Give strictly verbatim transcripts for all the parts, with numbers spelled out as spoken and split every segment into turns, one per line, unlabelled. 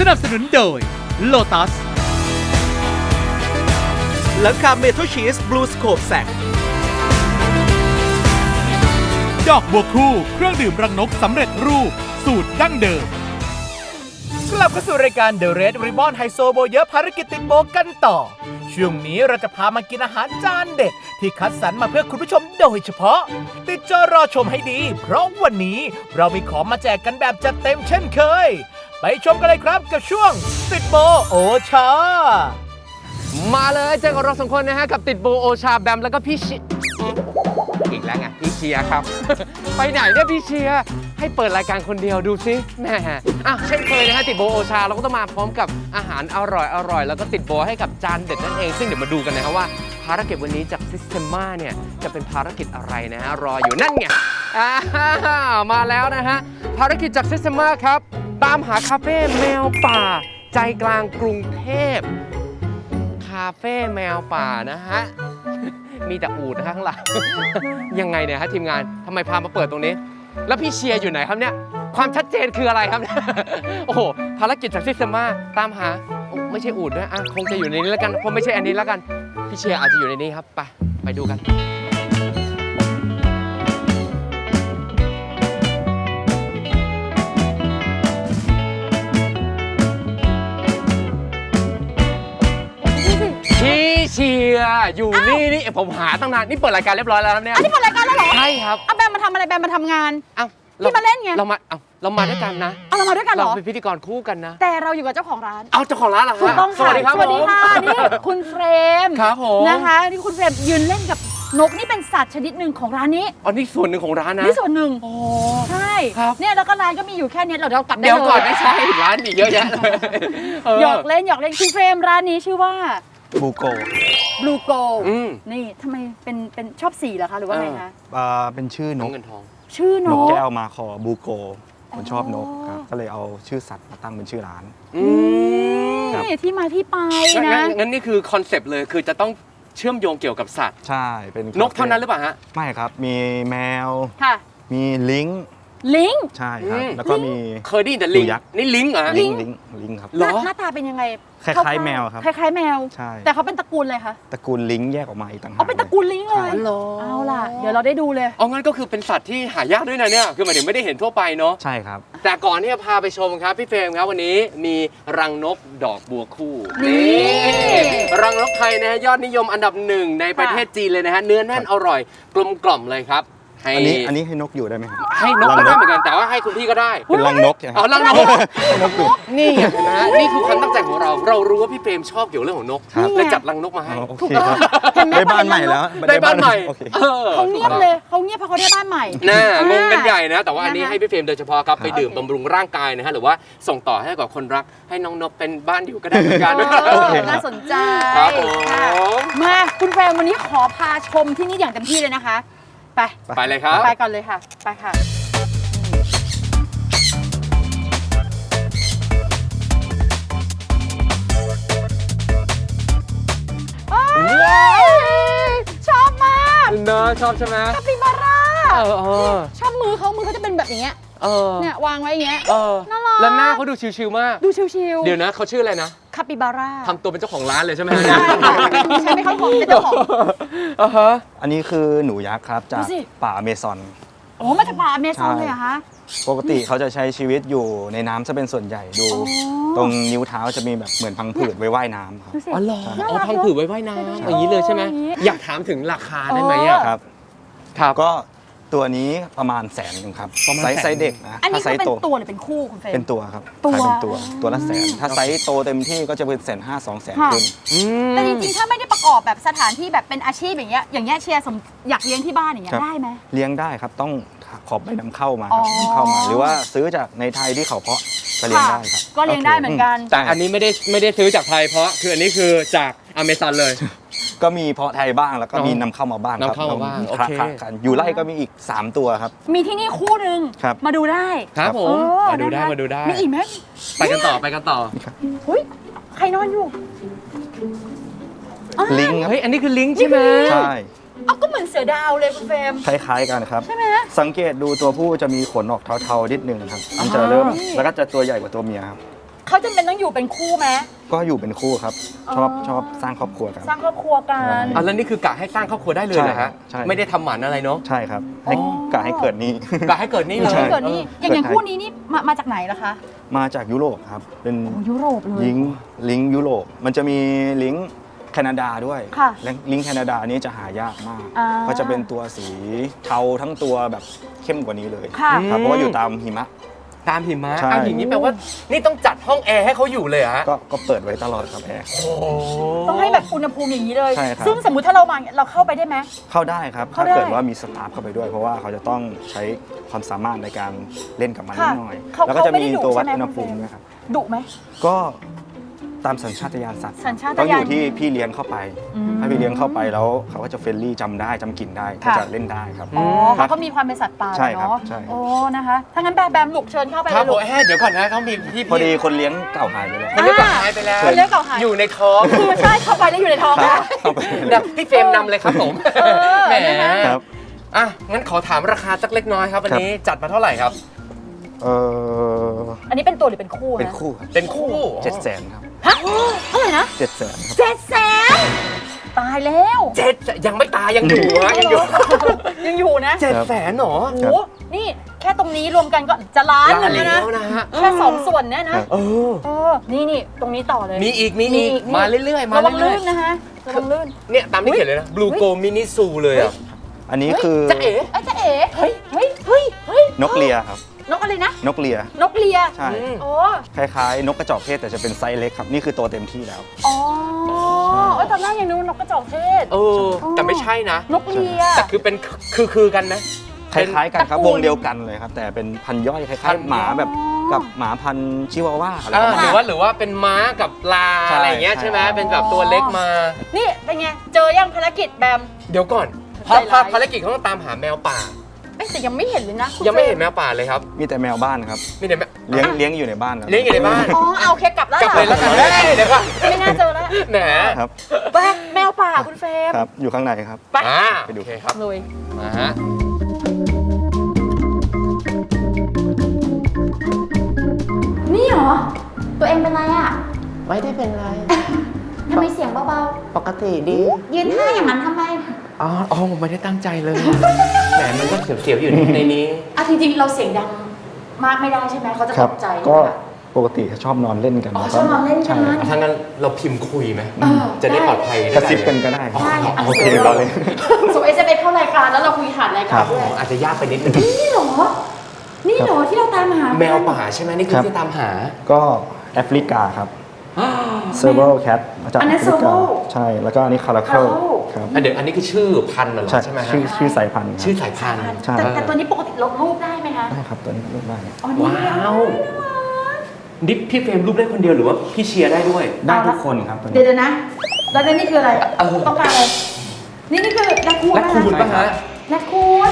นับสนุนโดย Lotus
หลังคาเมทัลชีสบลูสโคปแซก
ดอกบัวคู่เครื่องดื่มรังนกสำเร็จรูปสูตรดั้งเดิม
กลับเข้าสู่รายการ The Red Ribbon ไฮโซโบเยอะภารกิจติดโบกันต่อช่วงนี้เราจะพามากินอาหารจานเด็ดที่คัดสรรมาเพื่อคุณผู้ชมโดยเฉพาะติดจอรอชมให้ดีเพราะวันนี้เรามีของมาแจกกันแบบจัดเต็มเช่นเคยไปชมกันเลยครับกับช่วงติดโบโอชา
มาเลยเจอกับเราสองคนนะฮะกับติดโบโอชาแบมแล้วก็พี่ชิอีกแล้วไงพี่เชียร์ครับ ไปไหนเนี่ยพี่เชียร์ให้เปิดรายการคนเดียวดูซิแหมอ่ะเช่นเคยนะฮะติดโบโอชาเราก็ต้องมาพร้อมกับอาหารอร่อยอร่อยแล้วก็ติดโบให้กับจานเด็ดนั่นเองซึ่งเดี๋ยวมาดูกันนะครับว่าภารกิจวันนี้จาก Systema เนี่ยจะเป็นภารกิจอะไรนะฮะรออยู่นั่นไงอ่ามาแล้วนะฮะภารกิจจาก Systema ครับตามหาคาเฟ่แมวป่าใจกลางกรุงเทพคาเฟ่แมวป่านะฮะ มีแต่อูฐข้างหลัง ยังไงเนี่ยฮะทีมงานทำไมพามาเปิดตรงนี้แล้วพี่เชียร์อยู่ไหนครับเนี่ยความชัดเจนคืออะไรครับ โอ้โหภารกิจจากซิสเตมาตามหาไม่ใช่อูฐนะอ่ะคงจะอยู่ในนี้แล้วกันเพราะไม่ใช่อันนี้แล้วกันพี่เชียร์อาจจะอยู่ในนี้ครับไปไปดูกันพี่เชียร์อยู่นี่นี่ผมหาตั้งนานนี่เปิดรายการเรียบร้อยแล้วครับเนี่ย
อันนี้เปิดรายการแล้วเหรอ
ใช่ครับ
เอาแบมมาทำอะไรแบมมาทำงาน
เอ้า
พี่มาเล่นไง
เรามาเอ้าเรามาด้วยกันนะ
เอาเรามาด้วยกันเหรอ
เราเป็นพิธีกรคู่กันนะ
แต่เราอยู่กับเจ้าของร้าน
เอาเจ้าของร้านเหรอฮะ
ถูกต้องค่ะ
สวัสดีครับ
สวัสดีค่ะนี่คุณเฟรม
ครับผม
นะคะนี่คุณเฟรมยืนเล่นกับนกนี่เป็นสัตว์ชนิดหนึ่งของร้านนี้
อ๋อนี่ส่วนหนึ่งของร้านนะ
นี่ส่วนหนึ่ง
โอ้
ใช่
ครับ
เนี่ยแล้วก็ร้านก็มีอยู่แค่นี้เราเดี๋ยวกลับได้เลย
เดี๋ยวก่อนไม่ใช่ร้านอีกเยอะแยะเลย
หยอกเล่นหยอกเล่นคุณเฟรมร้านนี้ชื่อว่า
บูโก
บลูโก
ล
นี่ทำไมเป็นเป็นชอบสีเหรอคะหรือว่าไงคะ
อ่าเป็นชื่อนก
เงินทอง
ชื่อน
กแก้วมาคอบูโกผมชอบนกครับก็เลยเอาชื่อสัตว์มาตั้งเป็นชื่อร้าน
นี่ที่มาที่ไปนะ
งั้นนี่คือคอนเซปต์เลยคือจะต้องเชื่อมโยงเกี่ยวกับสัตว์
ใช่เป็น
นกเท่านั้นหรือเปล่าฮะ
ไม่ครับมีแมว
ค่ะ
มีลิง
ลิง
ใช่ครับแล้วก็มี
เคยได้ยินแต่ลิงนี่ลิงเหรอ
ลิงลิงลิงครับ
หน้าตาเป็นยังไง
คล้ายๆแมวครับ
คล้ายๆแมว
ใช่
แต่เขาเป็นตระกูลอะไรคะ
ตระกูลลิงแยกออกมาอีกต่างหาก
เอาเป็นตระกูลลิงเลยเอาล่ะเดี๋ยวเราได้ดูเลย
อ๋องั้นก็คือเป็นสัตว์ที่หายากด้วยนะเนี่ยคือหมายถึงไม่ได้เห็นทั่วไปเนาะ
ใช่ครับ
แต่ก่อนที่จะพาไปชมครับพี่เฟรมครับวันนี้มีรังนกดอกบัวคู่
นี่
รังนกไทยนะฮะยอดนิยมอันดับหนึ่งในประเทศจีนเลยนะฮะเนื้อแน่นอร่อยกลมกล่อมเลยครับ
อันนี้อันนี้ให้นกอยู่ได้ไหมครับ
ให้นกก็ได้เหมือนกันแต่ว่าให้คุณพี่ก็ได้
เป็นรังนกใช่ไหม
อ๋อรังนกนกอยู่นี่นะนี่คือความตั้งใจของเราเรารู้ว่าพี่เฟรมชอบเกี่ยวเรื่องของนกเลยจัดรังนกมาให้
ถูกต้องได้บ้านใหม่แล้ว
ได้บ้านใหม่
เขาเงียบเลยเขาเงียบเพราะเขาได้บ้านใหม่
น่างงกันใหญ่นะแต่ว่าอันนี้ให้พี่เฟรมโดยเฉพาะครับไปดื่มบำรุงร่างกายนะฮะหรือว่าส่งต่อให้กับคนรักให้น้องนกเป็นบ้านอยู่ก็ได้เหมือนกัน
น่าสนใจ
ครับผม
มาคุณเฟรมวันนี้ขอพาชมที่นี่อย่างเต็มที่เลยนะคะไป
ไปเลยครับ
ไปก่อนเลยค่ะไปค่ะชอบมาก
เนอะชอบใช่ไหม
คาปิบาร่า
เออ
ชอบมือเขามือเขาจะเป็นแบบอย่างเงี้ยเนี่ยวางไว้อย่างเงี้ยน่ารัก
แล้วหน้าเขาดูชิวๆมาก
ดูชิว
ๆเดี๋ยวนะเขาชื่ออะไรนะ
คาปิบาร่า
ทำตัวเป็นเจ้าของร้านเลยใช่ไหม
ใช่ใช่ไหมเขาของเป็นเจ้าของ
อ่าฮะอันนี้คือหนูยักษ์ครับจากป่าอเมซอน
โอ้มาจากป่าอเมซอนเลยเหรอคะ
ปกติเขาจะใช้ชีวิตอยู่ในน้ำจะเป็นส่วนใหญ่ดูตรงนิ้วเท้าจะมีแบบเหมือนพังผืดไว้ว่ายน้ำครับ
อ๋อเหรออ๋อพังผืดไว้ว่ายน้ำอย่างนี้เลยใช่ไหมอยากถามถึงราคาได้ไหมอ่ะ
ครับครับก็ตัวนี้ประมาณแสนนึงครับไซส์ไซส์เด็กนะ
อันนี้เป็นตัวหรือเป็นคู่คุณเฟรม
เป็นตัวครับ
ตัว
เป็นตัวตัวละแสนถ้าไซส์โตเต็มที่ก็จะเป็นแสนห้าสองแสนขึ้น
แต่จริงๆถ้าไม่ได้ประกอบแบบสถานที่แบบเป็นอาชีพอย่างเงี้ยอย่างเงี้ยเชียร์อยากเลี้ยงที่บ้านอย่างเงี้ยได้ไหม
เลี้ยงได้ครับต้องขอใบนำเข้ามาครับเข้ามาหรือว่าซื้อจากในไทยที่เขาเพาะก็เลี้ยงได้ครับ
ก็เลี้ยงได้เหมือนกัน
แต่อันนี้ไม่ได้ไม่ได้ซื้อจากไทยเพราะคืออันนี้คือจากอเมซอนเลย
ก็มีเพาะไทยบ้างแล้วก็มีนำเข้ามาบ้าง
ครับนำเข้ามาบ้างโอเค
อยู่ไร่ก็มีอีกสามตัวครับ
มีที่นี่คู่นึงมาดูได้
ครับผมมาดูได้มาดูได้
มีอีกไหม
ไปกันต่อไปกันต่อ
เฮ้ยใครนอนอยู่
ลิง
เฮ้ยอันนี้คือลิงใช่ไหม
ใช่
เอาก็เหมือนเสือดาวเลยคุณเฟรม
คล้ายๆกันครับ
ใช่ไหม
สังเกตดูตัวผู้จะมีขนออกเทาๆนิดนึงครับมันจะเริ่มแล้วก็จะตัวใหญ่กว่าตัวเมียครับ
เขาจำเป็นต้องอยู่เป็นคู่ไหม
ก็อยู่เป็นคู่ครับ ชอบชอบสร้างครอบครัวกัน
สร้างครอบครัวกัน
อ่ะแล้วนี่คือกะให้สร้างครอบครัวได้เลยเหรอฮะ
ใช่ครับใช่
ไม่ได้ทำหมันอะไรเนาะ
ใช่ครับให้กะให้เกิดนี้
กะให้เกิดนี่เลย
ใช่
เกิดนี่อย่างอย่างคู่นี้นี่มามาจากไหนล่ะคะ
มาจากยุโรปครับ เป็น
โอ้ยุโรปเลย
ลิงก์ลิงก์ยุโรปมันจะมีลิงก์แคนาดาด้วย
ค่ะ
และลิงก์แคนาดานี้จะหายากมาก
อ่า
ก็จะเป็นตัวสีเทาทั้งตัวแบบเข้มกว่านี้เลย
ค่ะ
ครับเพราะว่าอยู่ตามหิมะ
ตามหิมะ
ใช่
อ้าวอย่างนี้แปลว่านี่ต้องจัดห้องแอร์ให้เขาอยู่เลยเหรอฮะ
ก็ก็เปิดไว้ตลอดครับแอร์
โอ้
ต้องให้แบบอุณหภูมิอย่างนี้เลย
ใช่ครับ
ซึ่งสมมุติถ้าเรามาเราเข้าไปได้ไหม
เข้าได้ครับ
เข้า
ถ้า
ได้
เกิดว่ามีสตาฟเข้าไปด้วย เพราะว่าเขาจะต้องใช้ความสามารถในการเล่นกับมันนิ
ค่ะ
ดหน่อย
เขา
แล้วก็จะ
เขาไม่
มี
ได้ดุ
ตัววัด
ใช่ไหม
อุณหภูมิ
คุณเฟรม
นะครับ
ดุไหม
ก็ตามสัญชาตญาณสัตว์
สัญชาต
ต้องอ
ญาณ
ยู่ที่พี่เลี้ยงเข้าไป
อืม
ถ้าพี่เลี้ยงเข้าไปแล้วเขาก็จะเฟรนลี่จำได้จำกลิ่นได้ก็
ค่ะ
จะเล่นได้ครับ
อ๋อ
ครั
เขา
บ
ก็มีความเป็นสัตว์ป่า
ใช่ครับ
เนาะ
ใช่
โอ้นะคะถ้างั้นแบมแบมลูกเชิญเข้าไป
ครับ
เลย
ผ
ลู
ม
ก
เอ้ยเดี๋ยวก่อนนะเขามีพี่
พอดีคนเลี้ยงเก่าหายไปแล้ว
คนเลี้ยงกับหายไปแล้ว
คนเลี้ยงเก่าหาย
อยู่ในท้อง
คือใช่เข้าไปแล้วอยู่ในท้อง
ครั
นะ
บเข้าไป
เดี๋ยวพี่เฟรมนำเลยครับผม
เออ
แหม
ครับ
อ่ะงั้นขอถามราคาสักเล็กน้อยครับวันนี้จัดมาเท่าไหร่ครับ
เออ
อันนี้เป็นตัวหรือเป็นคู่
เป็น
นะ
คู่ครับ
เป็นคู่
เจ็ดแสนครับ
ฮะเท่าไหร่นะ
เจ็ดแสนครับ
เจ็ดแสนตายแล้ว
เจ็ดยังไม่ตายยังอยู่ฮะยังอยู่
ยังอยู่นะ
เจ็ดแสนหรอ
โอ้โหนี่แค่ตรงนี้รวมกันก็จะล้านหนึ่งแล้วนะ
แล้วนะฮะ
แค่สองส่วนเนี่ยนะ
เออ
เออนี่นี่ตรงนี้ต่อเลย
มีอีกมีอีก
นี่
มาเรื่อยๆมา
ระวัง
เรื่
ลื่
อย
นนะฮะระวังลื่น
ๆเนี่ยตามที่เขียนเลยนะ Blue Go Mini Zoo เลยอ่ะ
อันนี้คือ
จะเอ๋
เอ้ยจ๊ะเอ๋เฮ้ยเฮ้ยเฮ้ยเฮ้ย
นกเลียครับ
นกอะไรนะ
นกเลีย
นกเลีย
ใช่
โอ้
คล้ายๆ นกกระจอกเทศแต่จะเป็นไซส์เล็กครับนี่คือตัวเต็มที่แล้ว
อ๋อเอ้ยตอนแรกยังนึกว่านกกระจอกเทศ
เออ แต่ไม่ใช่นะ
นกเลีย
แต่คือเป็นคือคือกันไหม
คล้ายๆกันครับ
ตระกูล
วงเดียวกันเลยครับ แต่เป็นพันธุ์ย่อยค
พั
ล้าย
นธุ์
ๆหมาแบบกับหมาพันธุ์ชิวาว่าอะไร
เอ
ประ
อ
มาณ
หรือ
นี้
ว่าหรือว่าเป็นม้ากับลา
ใช่
อะไรอย่างเงี้ยใช่ไหม
ใช่
เป็นแบบตัวเล็กมา
นี่เป็นไง เจอยังภารกิจแบม
เดี๋ยวก่อน
ใจร้าย
ภาพภารกิจเขาต้องตามหาแมวป่า
เอ้ยแต่ยังไม่เห็นเลยนะคุณ
ยังไม่เห็น
ฟร
แมวป่าเลยครับ
มีแต่แมวบ้านครับ
มีแต่แมว
เลี้ยงเลี้ยงอยู่ในบ้านครับ
เลี้ยงอยู่ในบ้าน
อ๋อเอาโอเคกลับแล้ว
กลับเลยแล้วกันเฮ้ยเดี๋ยวก่อน
ไม่น่าเจอแล้ว
แหม
ครับ
ไปแมวป่าคุณเฟรม
ครับอยู่ข้างในครับ
ไป
อ่า
ไปดู
โอเคครับ
เลย
มาฮะ
นี่เหรอ ตัวเองเป็นไรอ่ะ
ไม่ได้เป็นไร
ทำไมเสียงเบา
ปกติดี
ๆ ยืนท่าอย่างนั้นทำไม
อ๋ออ๋อผมไม่ได้ตั้งใจเลย แหมมันก็เสียวๆอยู่ในนี้
อ่ะจริงๆ เราเสียงดังมากไม่ได้ใช่ไหมเขาจะ
ค
ต
รับ
กใจ
ก็
ใช่ไหม
ปกติชอบนอนเล่นกัน
อ๋อ
แล้ว
ชอบนอนเล่นกัน
ใช่ครับ
ถ้างั้นเราพิมพ์คุยไหม
เออ
จะได้ปลอดภัย
กระซิบกันก็ได้ครับ
ได้อ่ะ
โอเค
ดี๋ยว
รอเลย
ส่งเอสเอ็มเอสเข้ารายการแล้วเราคุยผ่านรายการด้วย
อาจจะยากไปนิดนึง
นี่เหรอ นี่เหรอที่เราตามหา
แมวป่าใช่ไหมนี่คือ
ครับ
ที่ตามหา
ก็แอฟริกาครับเซอร์เบิลแคทมาจาก
อัน
แอ
นั้น
ฟริกา
Serval
ใช่ แล้วก็อันนี้คาราเคิล
Caracal
ครับ
อ่ะเดี๋ยวอันนี้คือชื่อพันธุ์เหรอ
ใช่
ใช่ไหมฮะ
ชื่อชื่อสายพันธุ์ครับ
ชื่อสายพันธุ์
ใช่
แต่แต่ตัวนี้ปกติลบรูปได้ไหมคะ
ได้ครับตัวนี้ลูกได้
อ๋อนี่
ว้าวดิฟพี่เฟรมรูปได้คนเดียวหรือว่าพี่เชียร์ได้ด้วย
ได้ทุกคนครับตัว
เดี๋ย
นี้
วๆนะ แล้วนี่คืออะไร
เออ
ต้องการอะไร นี่นี่คือแรคคูน
และคูณ
นะ
ป่ะฮะ
แรคคูน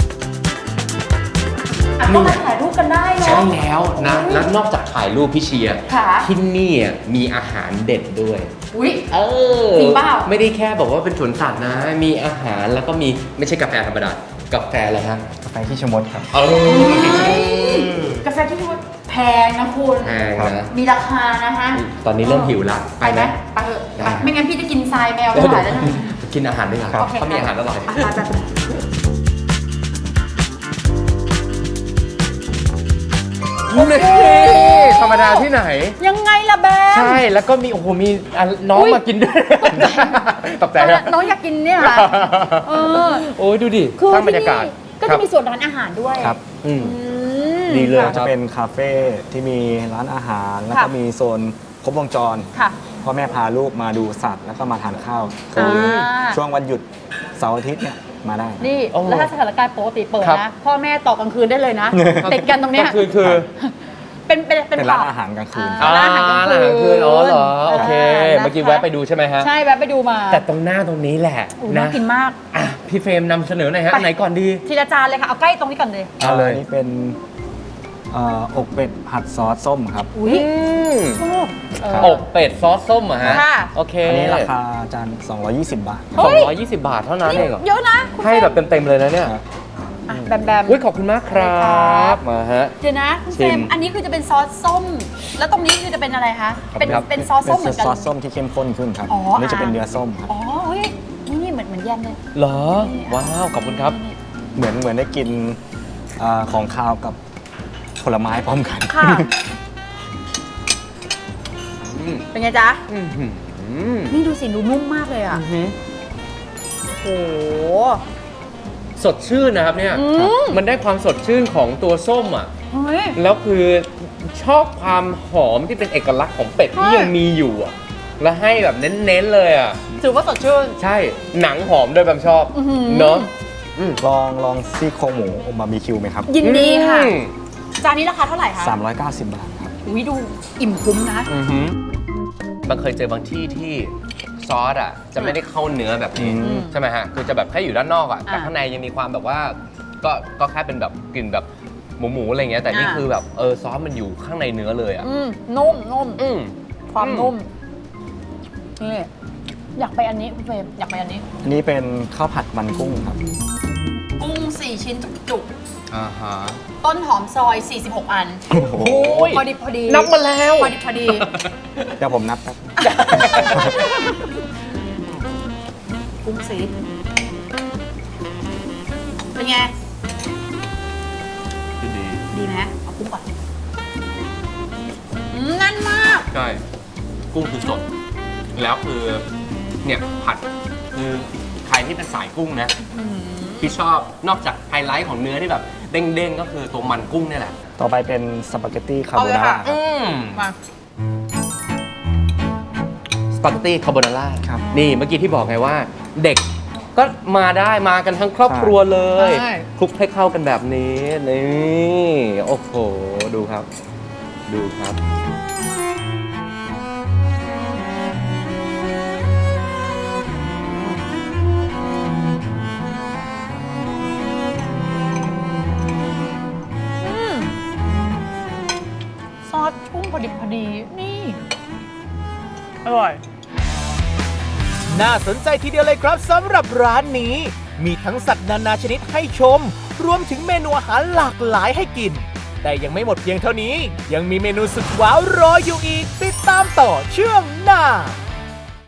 อ่ะก็มาถ่ายรูปกันได้เนาะ
ใช่แล้วนะ แล้วนอกจากถ่ายรูปพี่เชียร์
ค่ะ
ที่นี่อ่ะมีอาหารเด็ดด้วย
อุ้ย
เออ
จริงเปล่า
ไม่ได้แค่บอกว่าเป็นสวนสัตว์นะ มีอาหารแล้วก็มีไม่ใช่กาแฟธรรมดา กาแฟอะไรฮะ
กาแฟขี้ชะมดครับ
เออก
าแฟที่ว่าแพงนะคุณ
แพงนะ
มีราคานะฮะ
ตอนนี้เริ่มหิวละ
ไปไหมไปเถอะไปไม่งั้นพี่จะกินทรายแมวไม่
เดี๋ยว
ไหวแล้วนะ
กินอาหารด้วยกัน
โอเค
เขามีอาหารอร่อย
ะไปไป
นี่ธรรมดาที่ไหน
ยังไงล่ะแบม
ใช่ แล้วก็มีโอ้โห มีอ่ะน้อง
อุ๊ย
มากินด้วยตกใจนะ
น้องอยากกินเนี่ยค่ะเออ
โอ้ยดูดิ
คือ
สร้างบรรยากาศ
ที่นี่ก็จะมีส่วนร้านอาหารด้วย
ครับ
อืม
อืม
ดีเลย
ก็จะเป็นคาเฟ่ที่มีร้านอาหาร แล้วก็
ค่ะ
มีโซนครบวงจร
ค่ะ
พ่อแม่พาลูกมาดูสัตว์ แล้วก็มาทานข้าวคืออา ช่วงวันหยุดเสาร์อาทิตย์เนี่ยมาได้
นี่
โอ้
แล้วถ้าสถานการณ์ปกติเปิด
ครับ
นะ พ่อแม่ต่อกลางคืนได้เลยนะติดกันตรงเนี้ย
ก็คือคือ
เป็นเป็นเป็น
เป็นร้าน
ผับ
อาหารกลางคืน
อ่า ร้านอาหารกลางคืน
ร้นอาหารคืนอ๋อเหรอ โอเค
อ่า
เมื่อกี้
นะคะ
แวะไปดูใช่ไหมฮะ
ใช่แวะไปดูมา
แต่ตรงหน้าตรงนี้แหละ
อุ๊ยน่า
นะ
กินมาก
อ่ะพี่เฟรมนำเสนอหน่อยฮะ
ไป
อันไหนก่อนดี
ทีละจานเลยค่ะ เอาใกล้ตรงนี้ก่อนเลย
เอาเลย
นนี้เป็นเอ่ออกเป็ดผัดซอสส้มครับ
อุ้ย
อืม
ชอบเออ
อกเป็ดซอสส้มเหรอะฮะ
ค่ะ
โอเค
อันนี้ราคาจานสองร้อยยี่สิบ บาท
เฮ้
สอง
ย
ร้อยยี่สิบบาทเท่านั้น
นี่
เองเหรอ
เยอะนะคุณ
ให้แบบเต็มๆเลยนะเนี่ย
ครับ
อ่ะแบมแบม
อุ้ยขอบคุณมากครับมาฮะ
เดี๋ยวนะคุณเฟร
ชิ
ม
ม
อันนี้คือจะเป็นซอสส้ม แล้วตรงนี้คือจะเป็นอะไรคะ เป็น
ครับ
เป็นซอส
เป็
ส้ม
น
เหมือนกัน
ซอสส้มที่เข้มข้นขึ้นครับ
อ๋ออั
นนี้จะเป็นเนื้อส้มครับ
อ๋อเฮ้ยนี่นี่เหมือนเหมือนแยมเลย
เหรอ ว้าว ขอบคุณครับ
เหมือนเหมือนได้กินอาของคาวกับผลไม้พร้อมกัน
ค่ะ
อืม
เป็นไงจ๊ะ
อื้อหือ
นี่ดูสิดูนุ่มมากเลยอ่ะ
อื้อหือ
โอ้โห
สดชื่นนะครับเนี่ย
อืม
มันได้ความสดชื่นของตัวส้มอ่ะ
เฮ้ย
แล้วคือชอบความหอมที่เป็นเอกลักษณ์ของเป็ดที่
ใช่
ยังมีอยู่อ่ะ แล้วให้แบบเน้นๆเลยอ่ะ
ถือว่าสดชื่น
ใช่ หนังหอมด้วยแบบชอบ
อื้อหือ
เนาะ
ลองลองซี่โครงหมูบาร์บีคิวไหมครับ
ยินดีค่ะ
อืม
จานนี้ราคาเท่าไหร่คะ
สามร้อยเก้าสิบบาทครับ
อุ้ยดูอิ่มคุ้มนะ
อือหือบางเคยเจอบางที่ที่ซอสอ่ะจะไม่ได้เข้าเนื้อแบบนี้
อืม
ใช่ไหมฮะ คือจะแบบแค่อยู่ด้านนอกอ่ะ แต่
อ่า
ข้างในยังมีความแบบว่า ก็ก็แค่เป็นแบบกลิ่นแบบหมูหมูๆอะไรเงี้ย แต่นี่
อ่า
คือแบบเออซอสมันอยู่ข้างในเนื้อเลยอ่ะ
อืมนุ่มนุ่ม
อืม
ความ
อืม
นุ่ม นี่ อยากไปอันนี้คุณเฟรมอยากไปอันนี้
อันนี้เป็นข้าวผัดมันกุ้งครับ
กุ้งสี่ชิ้นจุก
อ่าฮะ
ๆ ต้นหอมซอย สี่สิบหก อัน
โอ้โห
พอดีพอดี
นับมาแล้ว
พอดีพอดี
เดี๋ยวผมนับแป๊บ
กุ้งสีเป็นไง
ดี
ดีไหมเอากุ้งก่อนอืมแน่นมาก
ใช่ กุ้งคือสด แล้วคือเนี่ยผัดคือใครที่เป็นสายกุ้งนะ ที่ชอบนอกจากไฮไลท์ของเนื้อที่แบบเด้งๆ ก็คือตัวมันกุ้งนี่แหละ
ต่อไปเป็นสปาเกตตี้คาโบ
เอาเลย
นาร่า
ค่ะ
ครับ
อืม
มา
สปาเกตตี้คาโบนาร่า
ครับ
นี่เมื่อกี้ที่บอกไงว่า เด็กก็มาได้มากันทั้งครอบครัวเลย
ใช่
คลุกให้เข้ากันแบบนี้ นี่ โอ้โห ดูครับ ดูครับ
ซอสกุ้งพอดีพอดี นี่ อร่อย
น่าสนใจทีเดียวเลยครับสำหรับร้านนี้ มีทั้งสัตว์นานาชนิดให้ชม รวมถึงเมนูอาหารหลากหลายให้กิน แต่ยังไม่หมดเพียงเท่านี้ ยังมีเมนูสุดว้าวรออยู่อีก ติดตามต่อช่วงหน้า